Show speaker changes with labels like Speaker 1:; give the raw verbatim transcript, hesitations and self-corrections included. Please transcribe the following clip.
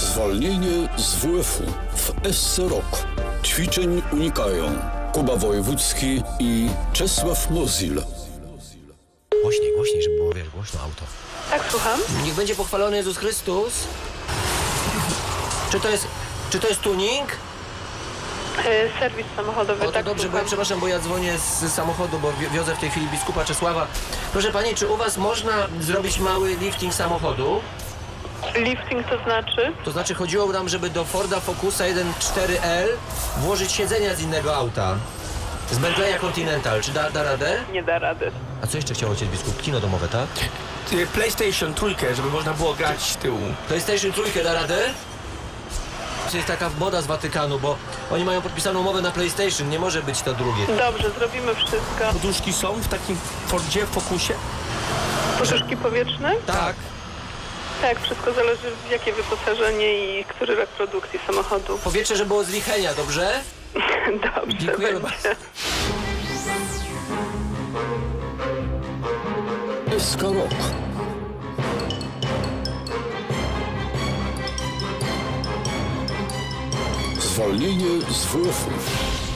Speaker 1: Zwolnienie z W F-u w S C Rok. Ćwiczeń unikają Kuba Wojewódzki i Czesław Mozil.
Speaker 2: Głośniej, głośniej, żeby było, wiesz, głośno auto.
Speaker 3: Tak, słucham.
Speaker 2: Niech będzie pochwalony Jezus Chrystus. Czy to jest, czy to jest tuning?
Speaker 3: E, serwis samochodowy,
Speaker 2: O, to
Speaker 3: tak,
Speaker 2: dobrze, bo
Speaker 3: słucham.
Speaker 2: ja przepraszam, bo ja dzwonię z samochodu, bo wi- wiozę w tej chwili biskupa Czesława. Proszę pani, czy u was można zrobić mały lifting samochodu?
Speaker 3: Lifting to znaczy?
Speaker 2: To znaczy chodziło nam, żeby do Forda Focusa jeden cztery L włożyć siedzenia z innego auta. Z Bentleya Continental. Czy da, da radę?
Speaker 3: Nie da rady.
Speaker 2: A co jeszcze chciał ojciec biskup? Kino domowe, tak?
Speaker 4: Y, PlayStation trójkę, żeby można było grać z tyłu.
Speaker 2: PlayStation trójkę da radę? To jest taka moda z Watykanu, bo oni mają podpisaną umowę na PlayStation, nie może być to drugie.
Speaker 3: Dobrze, zrobimy wszystko.
Speaker 4: Poduszki są w takim Fordzie, Focusie?
Speaker 3: Poduszki powietrzne?
Speaker 2: Tak.
Speaker 3: Tak, wszystko zależy w jakie wyposażenie i który rok produkcji samochodu.
Speaker 2: Powietrze, że było z Lichenia, dobrze?
Speaker 3: Dobrze,
Speaker 2: Dziękujemy
Speaker 3: będzie.
Speaker 1: S K Rok. Zwolnienie z W F-u.